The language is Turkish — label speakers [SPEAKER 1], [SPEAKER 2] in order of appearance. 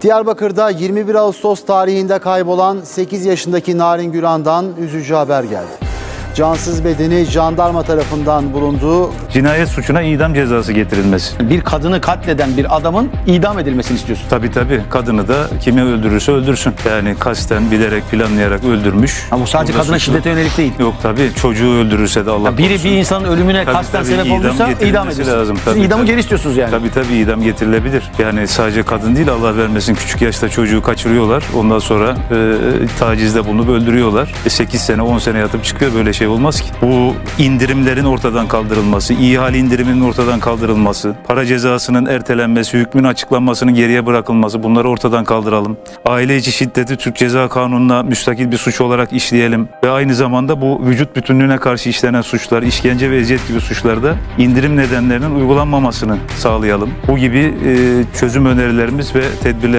[SPEAKER 1] Diyarbakır'da 21 Ağustos tarihinde kaybolan 8 yaşındaki Narin Güran'dan üzücü haber geldi. Cansız bedeni jandarma tarafından bulunduğu
[SPEAKER 2] Cinayet suçuna idam cezası getirilmesi.
[SPEAKER 3] Bir kadını katleden bir adamın idam edilmesini istiyorsun.
[SPEAKER 2] Tabii kadını da kimi öldürürse öldürsün. Yani kasten, bilerek, planlayarak öldürmüş.
[SPEAKER 3] Ama bu sadece
[SPEAKER 2] Burada
[SPEAKER 3] kadına
[SPEAKER 2] suçlu.
[SPEAKER 3] şiddete yönelik değil.
[SPEAKER 2] Yok tabii, çocuğu öldürürse de Allah
[SPEAKER 3] Biri
[SPEAKER 2] korusun.
[SPEAKER 3] bir insanın ölümüne
[SPEAKER 2] Tabii,
[SPEAKER 3] kasten
[SPEAKER 2] tabii,
[SPEAKER 3] sebep
[SPEAKER 2] idam
[SPEAKER 3] olduysa idam
[SPEAKER 2] getirilmesi
[SPEAKER 3] edilsin.
[SPEAKER 2] lazım.
[SPEAKER 3] Siz
[SPEAKER 2] Tabii,
[SPEAKER 3] idamı
[SPEAKER 2] tabii.
[SPEAKER 3] geri istiyorsunuz yani.
[SPEAKER 2] Tabii idam getirilebilir. Yani sadece kadın değil, Allah vermesin, küçük yaşta çocuğu kaçırıyorlar. Ondan sonra tacizde bulunup öldürüyorlar. 8 sene 10 sene yatıp çıkıyor, böyle şey olmaz ki. Bu indirimlerin ortadan kaldırılması, ihale indiriminin ortadan kaldırılması, para cezasının ertelenmesi, hükmün açıklanmasının geriye bırakılması, bunları ortadan kaldıralım. Aile içi şiddeti Türk Ceza Kanunu'na müstakil bir suç olarak işleyelim ve aynı zamanda bu vücut bütünlüğüne karşı işlenen suçlar, işkence ve eziyet gibi suçlarda indirim nedenlerinin uygulanmamasını sağlayalım. Bu gibi çözüm önerilerimiz ve tedbirler